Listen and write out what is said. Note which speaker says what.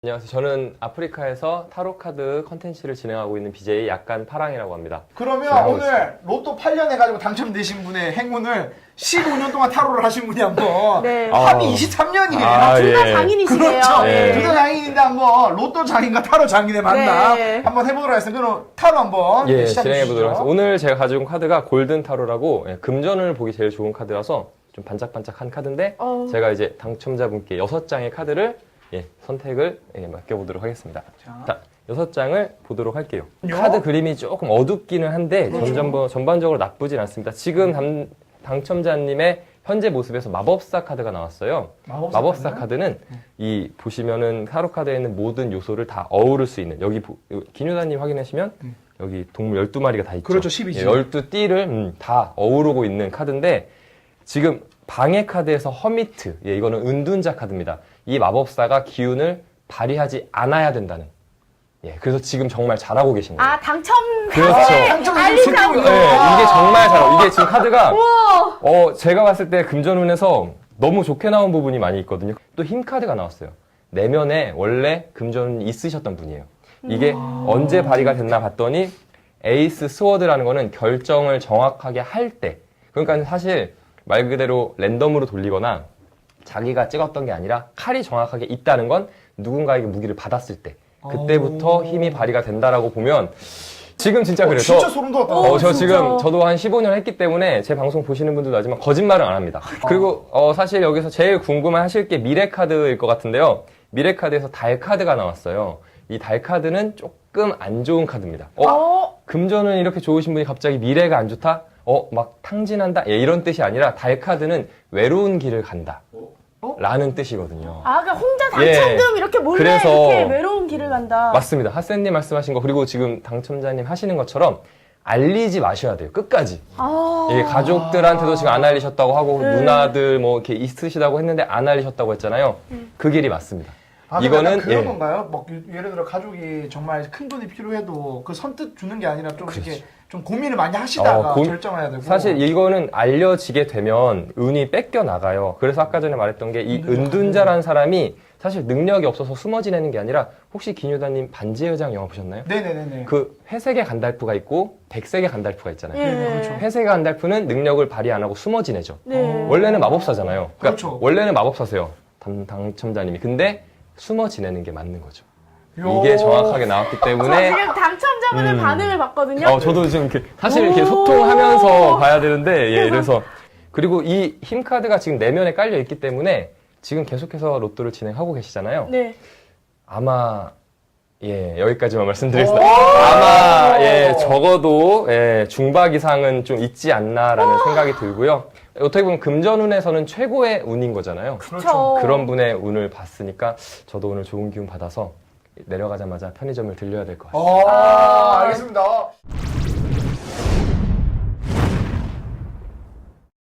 Speaker 1: 안녕하세요. 저는 아프리카에서 타로 카드 컨텐츠를 진행하고 있는 BJ 약간 파랑이라고 합니다.
Speaker 2: 그러면 오늘
Speaker 1: 있습니다.
Speaker 2: 로또 8년 해가지고 당첨되신 분의 행운을 15년 동안 타로를 하신 분이 한번
Speaker 3: 네.
Speaker 2: 합이 23년이에요.
Speaker 3: 둘 다
Speaker 1: 예.
Speaker 3: 장인이시네요.
Speaker 2: 그렇죠.
Speaker 1: 네.
Speaker 2: 둘 다 장인인데 한번 로또 장인과 타로 장인의 만남
Speaker 3: 네.
Speaker 2: 한번 해보도록 하겠습니다. 그럼 타로 한번
Speaker 1: 예,
Speaker 2: 시작해
Speaker 1: 진행해
Speaker 2: 주시죠.
Speaker 1: 보도록 하겠습니다. 오늘 제가 가져온 카드가 골든 타로라고 금전을 보기 제일 좋은 카드라서 좀 반짝반짝한 카드인데 제가 이제 당첨자분께 6장의 카드를 선택을 맡겨보도록 하겠습니다. 자, 6장을 보도록 할게요. 카드 그림이 조금 어둡기는 한데 전반적으로 나쁘진 않습니다. 지금 당첨자님의 현재 모습에서 마법사 카드가 나왔어요. 마법사 카드는 이 보시면은 타로 카드에 있는 모든 요소를 다 어우를 수 있는, 여기 기뉴다님 확인하시면 여기 동물 12마리가 다 있죠.
Speaker 2: 그렇죠, 12지.
Speaker 1: 12띠를 다 어우르고 있는 카드인데 지금 방해 카드에서 허미트, 이거는 은둔자 카드입니다. 이 마법사가 기운을 발휘하지 않아야 된다는. 그래서 지금 정말 잘하고 계신 거예요.
Speaker 3: 아, 당첨
Speaker 1: 그렇죠.
Speaker 3: 알리라고.
Speaker 1: 이게 정말 잘하고, 이게 지금 카드가 제가 봤을 때 금전운에서 너무 좋게 나온 부분이 많이 있거든요. 또 힘 카드가 나왔어요. 내면에 원래 금전운이 있으셨던 분이에요. 이게 언제 발휘가 됐나 봤더니 에이스 스워드라는 거는 결정을 정확하게 할 때, 그러니까 사실 말 그대로 랜덤으로 돌리거나 자기가 찍었던 게 아니라 칼이 정확하게 있다는 건 누군가에게 무기를 받았을 때 그때부터 힘이 발휘가 된다라고 보면 지금 진짜 그래요.
Speaker 2: 진짜 소름 돋았다.
Speaker 1: 저
Speaker 3: 진짜.
Speaker 1: 지금 저도 한 15년 했기 때문에 제 방송 보시는 분들도 알지만 거짓말은 안 합니다. 그리고 사실 여기서 제일 궁금해 하실 게 미래 카드일 것 같은데요. 미래 카드에서 달 카드가 나왔어요. 이 달 카드는 조금 안 좋은 카드입니다. 금전은 이렇게 좋으신 분이 갑자기 미래가 안 좋다? 막 탕진한다? 이런 뜻이 아니라 달 카드는 외로운 길을 간다. 라는 뜻이거든요.
Speaker 3: 아, 그러니까 혼자 당첨금 이렇게 몰래
Speaker 1: 그래서
Speaker 3: 이렇게 외로운 길을 간다.
Speaker 1: 맞습니다. 하센님 말씀하신 거, 그리고 지금 당첨자님 하시는 것처럼 알리지 마셔야 돼요. 끝까지. 이게 가족들한테도 지금 안 알리셨다고 하고 누나들 뭐 이렇게 있으시다고 했는데 안 알리셨다고 했잖아요. 그 길이 맞습니다.
Speaker 2: 이거는 그런 건가요? 막 예를 들어 가족이 정말 큰 돈이 필요해도 그 선뜻 주는 게 아니라 좀 이렇게 좀 고민을 많이 하시다가 결정해야 되고.
Speaker 1: 사실 이거는 알려지게 되면 운이 뺏겨 나가요. 그래서 아까 전에 말했던 게 이 은둔자라는 사람이 사실 능력이 없어서 숨어 지내는 게 아니라, 혹시 기뉴다님 반지의 회장 영화 보셨나요?
Speaker 2: 네네네네.
Speaker 1: 그 회색의 간달프가 있고 백색의 간달프가 있잖아요.
Speaker 3: 그렇죠.
Speaker 1: 회색의 간달프는 능력을 발휘 안 하고 숨어 지내죠.
Speaker 3: 네.
Speaker 1: 원래는 마법사잖아요. 그러니까
Speaker 2: 그렇죠.
Speaker 1: 원래는 마법사세요. 당첨자님이. 근데 숨어 지내는 게 맞는 거죠. 이게 정확하게 나왔기 때문에.
Speaker 3: 지금 당첨자분의 반응을 봤거든요.
Speaker 1: 저도 지금 사실 이렇게 소통하면서 봐야 되는데, 그래서. 그리고 이 힘 카드가 지금 내면에 깔려 있기 때문에 지금 계속해서 로또를 진행하고 계시잖아요.
Speaker 3: 네.
Speaker 1: 아마, 여기까지만 말씀드리겠습니다. 아마, 적어도, 중박 이상은 좀 있지 않나라는 생각이 들고요. 어떻게 보면 금전운에서는 최고의 운인 거잖아요.
Speaker 3: 그렇죠.
Speaker 1: 그런 분의 운을 봤으니까 저도 오늘 좋은 기운 받아서 내려가자마자 편의점을 들려야 될 것 같습니다.
Speaker 2: 알겠습니다.